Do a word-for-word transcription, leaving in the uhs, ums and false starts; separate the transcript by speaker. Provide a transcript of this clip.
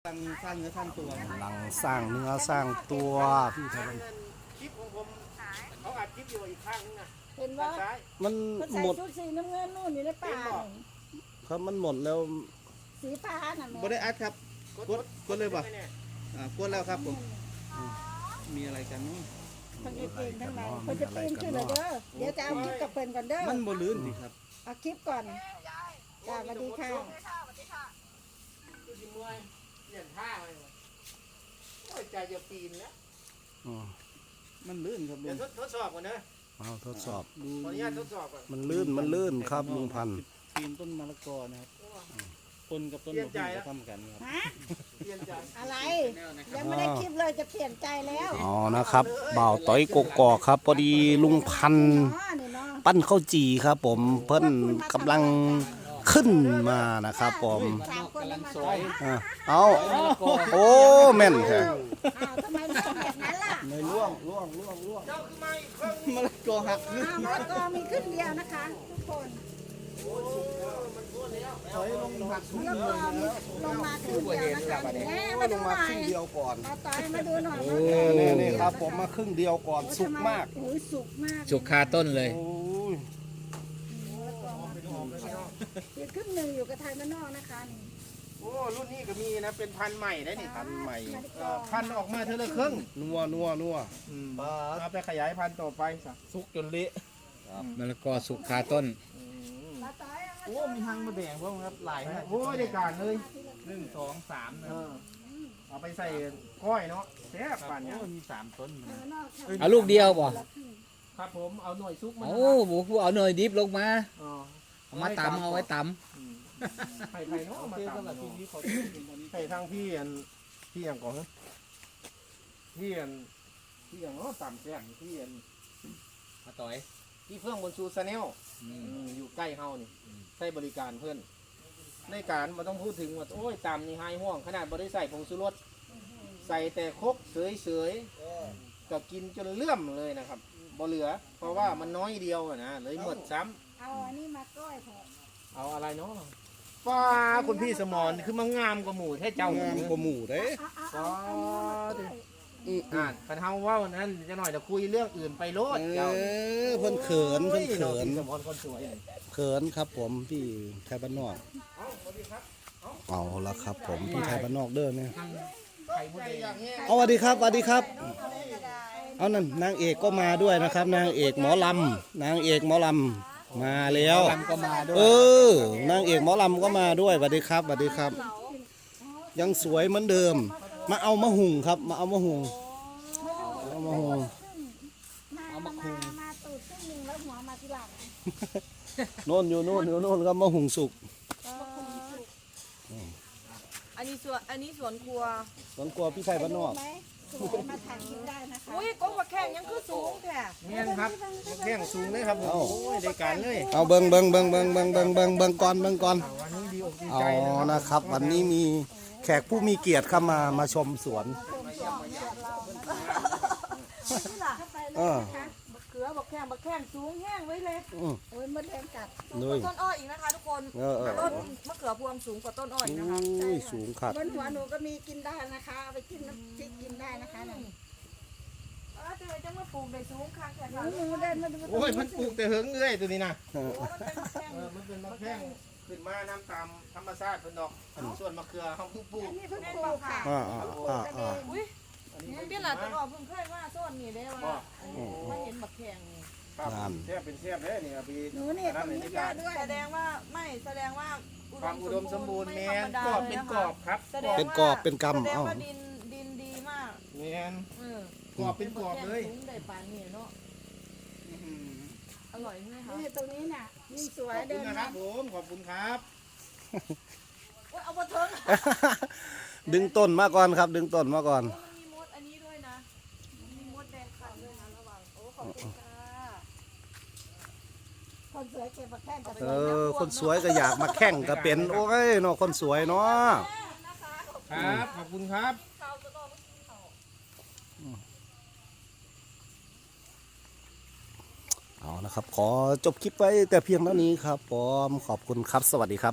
Speaker 1: สร้างสร้างเนื้อสร้างตัว
Speaker 2: กำลังสร้างเนื้อสร้างตัวพี่ครับ
Speaker 3: คลิปของผมเขาอัดคลิปอยู่อีกข้างนึงนะ
Speaker 4: เห็นว่า
Speaker 2: มัน
Speaker 4: ใส่
Speaker 2: หมด
Speaker 4: ชุดสีน้ำเงินนู่นอยู่ในป่า
Speaker 2: ครับมันหมดแล้ว
Speaker 4: สีฟ้าน่ะ
Speaker 1: บ่ได้อัดครับกดกดเลยป่ะอ่ากดแล้วครับผมมีอะไรกันเนาะ
Speaker 4: ทั้งเองทั้งไหนเพิ่นจะปีนขึ้นเลยเด้อเดี๋ยวจะเอาคลิปกับเพิ่นก่อนเด้อ
Speaker 1: มันบ่ลื่นสิครับ
Speaker 4: เอาคลิปก่อนจ้าสวัสดีค่ะ
Speaker 3: ดูสิมวยเปลี่ยนท่าเลยโอ้ยใจจะปีนแล้ว
Speaker 1: มันลื่นครับลุ
Speaker 3: เดี๋ยว
Speaker 1: ง
Speaker 3: ทดสอบก่อนนะ
Speaker 2: เอาทดสอบ
Speaker 3: ขออนุญาตทดสอบก่อน
Speaker 2: มันลื่นมันลื่นครับลุงพันธุ์
Speaker 1: ปีนต้นมะละกอนะครับต้นกับต้นมะพร้าวทำกันครับ
Speaker 3: เปลี่ยนใจ
Speaker 4: อะไรยังไม่ได้คลิปเลยจะเปลี่ยนใจแล้ว
Speaker 2: อ๋อนะครับบ่าวต้อยกกอกครับพอดีลุงพันธุ์ปั้นข้าวจีครับผมเพิ่นกำลังขึ้นมานะครับผมเอาโอ้แม่นแท้
Speaker 4: ทำไมมันเป็นแบบนั้นล่ะ
Speaker 2: ไม่ล่วงล่วงล่วงล่วง
Speaker 3: เจ้าคือไม่เครื่อง
Speaker 1: มะละกอหัก
Speaker 4: มะละกอมีขึ้นเดียวนะคะทุกคน
Speaker 1: ถอยลงหักทุก
Speaker 4: มะละกอมีลงมาขึ้นเดียวนะคะแม่มาดูหน่อย
Speaker 2: ครึ่งเดียวก่อน
Speaker 4: มาต่อยมาดูหน่อย
Speaker 2: นี่นี่ครับผมมาครึ่งเดียวก่อนสุกมาก
Speaker 4: โอ้ยสุกมาก
Speaker 5: สุกคาต้นเลย
Speaker 2: โอ้ย
Speaker 4: เดี๋ยวครึ่งหนึ่งอยู่กับไทยมานอกนะคะนี่
Speaker 3: โอ้รุ่นนี้ก็มีนะเป็นพันธุ์ใหม่ได้นี่
Speaker 2: พันใหม่
Speaker 3: พันธุ์ออกมาเท่าละครึ่ง
Speaker 2: นัวนัวนัว
Speaker 3: เอาไปขยายพันธุ์ต่อไปสัก
Speaker 1: สุกจนเละ
Speaker 5: มะละกอสุกคาต้น
Speaker 4: มาต่อยเอามา
Speaker 1: โอ้มีหางมาแดงพวกครับหลายนะ
Speaker 3: โอ้ยได้การเลย
Speaker 1: หนึ่งสองสามนะ
Speaker 3: เออเอาไปใส่ก้อยเนาะแซ่บป่านเนี้ย
Speaker 1: โอ้มีสามต้น
Speaker 4: ไทยมานอกค่ะ
Speaker 5: เอาลูกเดียวบ่
Speaker 3: ครับผมเอาหน่วยซุกมา
Speaker 5: โอ้โหผู้เอาหน่อยดิบลงมา
Speaker 3: อ๋อ
Speaker 5: เอามาตำเอาไว้ต
Speaker 3: ไผ่ไผ่เนาะมา
Speaker 1: เจ้า
Speaker 3: ตำ
Speaker 1: สำหรับ
Speaker 3: เนาะ
Speaker 1: ทีนี้ขอเป็นตอนนี้
Speaker 3: ใส่ทางพี่อันพี่อันก่อนนะพี่อันพี่อันเนาะต่ำแซ่บพี่อัน
Speaker 5: ำมาต่อย
Speaker 3: พี่เพื่องบนซูซาแนลอยู่ใกล้เฮานี่ใช้บริการเพื่อนในการมาต้องพูดถึงว่าโอ้ยต่ำนี่ไฮห่วงขนาดบ่ได้ใส่ผงชูรสใส่แต่ครกเสยๆก็กินจนเลื่อมเลยนะครับบ่เหลือ เพราะว่ามันน้อยเดียวอะนะเลยหมดซ้ำ
Speaker 4: เอาอันนี้มาก้อยเถอะ
Speaker 3: เอาอะไรเนาะป้าคุณพี่สมรคือมังงามกว่าหมูแท้เจ้าง
Speaker 2: ามกว่าหมูเด้
Speaker 4: เอาเอาเอาเอา
Speaker 3: อ่านคันเฮาเว่านั้นจะหน่อยจะคุยเรื่องอื่นไปโลด
Speaker 2: เอ
Speaker 3: เจ้า
Speaker 2: อเพิ่นเขินเพิ่นเขิน
Speaker 3: สมรคนสวย
Speaker 2: เขินครับผมพี่ไทยบ้านนอกเอาละครับผมพี่ไทยบ้านนอกเด้อเนี่ย
Speaker 3: ไข่มดแดง
Speaker 2: เอาสวัสดีครับสวัสดีครับเอานั่นนางเอกก็มาด้วยนะครับ นางเอกหมอลำนางเอกหมอลำมาแล้ว
Speaker 5: ลำก็มาด้วย
Speaker 2: เออนางเอกหมอลำก็มาด้วยสวัสดีครับสวัสดีครับ ยังสวยเหมือนเดิม มาเอามะหุงครับ มาเอามะหุงเอามะหุง
Speaker 4: มามามามาตูดครึ่งหนึ่งแล้วหัวมาทีหลัง
Speaker 2: โน่นอยู่โน่นอยู่โน่นครับมะหุงสุก
Speaker 6: อันนี้สวนอันนี้สวนครัว
Speaker 2: สวนกลัวพี่ไทยบ้านนอก
Speaker 4: ไหมสวยมาถ่ายคลิปได้นะคะ
Speaker 6: อุ้ยก้มกระแข้งยังคือสูงแท้
Speaker 3: เมียนครับแข้งสูงเลยครับผมโอ้ยได้การเลย
Speaker 2: เอาเบิงเบิงเบิงเบิงเบิงเบิงเบิงเบิงก่อนเบิงก่อน
Speaker 3: วันนี้ดีอกดี
Speaker 2: อ๋
Speaker 3: ใจ
Speaker 2: อนะครับ วันนี้มีแขกผู้มีเกียรติเข้ามามาชมสวนเออ
Speaker 6: บักเขือบักแข้งบักแข้งสูงแห้งไว้เลย
Speaker 2: อืม
Speaker 4: โอ้ยมดแดงกัด
Speaker 2: เลย
Speaker 6: ต้นอ้อยอีกนะคะทุกคน
Speaker 2: เออเออ
Speaker 6: ต้นมะเขือพวงสูงกว่าต้นอ้อยนะคะ
Speaker 2: อุ้ยสูงขัด
Speaker 4: บนหัวหนูก็มีกินได้นะคะเอาไปกินน้ำพริกกินได้นะคะเนี่ย
Speaker 6: เออจะจะมาปลูกในสูงค่ะแค่
Speaker 4: ห
Speaker 6: ค่ะ
Speaker 4: นูหนูเดินมาดู
Speaker 3: โอ้ยมันปลูกแต่เหิงเอ้ยตัวนี้นะ
Speaker 2: เออ
Speaker 6: โอ้มันเป็นบักแข้ง
Speaker 3: เออมันเป็นมะแข้งขึ้นมาน้ำตามธรรมชาติเพิ่นดอกส่วนมะเขือเขาเพิ่งปลูก
Speaker 4: อันนี้เพิ่งปลูกค่ะ
Speaker 2: อ่าอ่าอ่าอ่า
Speaker 6: อุ้ยเปี้ยนหลานต้นอ้อยเพิ่งเคยว่าต้นนี่ได้ว่ามาเห็นบักแข้งนี่
Speaker 3: ครับแทบเป็นแทบเลยนี่ครับพี่
Speaker 4: หนูนี่ตรงนี้เยอะด้วย
Speaker 6: แสดงว่าไม่แสดงว่า
Speaker 3: ความอุดมสมบูรณ์แม
Speaker 6: ไธ
Speaker 3: น
Speaker 6: รรดาก
Speaker 3: รอบเป็นกรอบครับ
Speaker 6: แสดงว่า
Speaker 2: เป็นกรอบเป็นกำ
Speaker 6: แสดง
Speaker 2: เอ้า
Speaker 6: ว่าดินดินดีมาก
Speaker 3: แมน
Speaker 6: เออก
Speaker 3: รอบเป็นกรอบเลย
Speaker 6: สูงได้ปานนี่เนาะอร่อยไหมคะ
Speaker 4: นี่ตรงนี้น่ะยิ่งสว
Speaker 3: ข
Speaker 4: ย
Speaker 3: อบคุ
Speaker 4: เดิ
Speaker 3: ณ
Speaker 4: น
Speaker 3: นะค
Speaker 4: มา
Speaker 3: รับผมขอบคุณครับ
Speaker 6: โอ๊ยเอามาเถิง
Speaker 2: ดึงต้นมาก่อนครับ ดึงต้นมาก่อน
Speaker 6: มันมีมดอันนี้ด้วยนะ มีมดแดงขัดด้วยนะระวังโอ้ขอบคุณค่ะ
Speaker 4: คนสวยเก็บมาแค่กับ
Speaker 2: เออคนสวยก็อยากมาแข่งก็เป็นโอ้ยเนาะคนสวยเนาะ
Speaker 3: ครับ ขอบคุณครับ
Speaker 6: ข้าวจะนอนไม่กินข้าว
Speaker 2: เอานะครับ ขอจบคลิปไว้แต่เพียงเท่านี้ครับผมขอบคุณครับสวัสดีครับ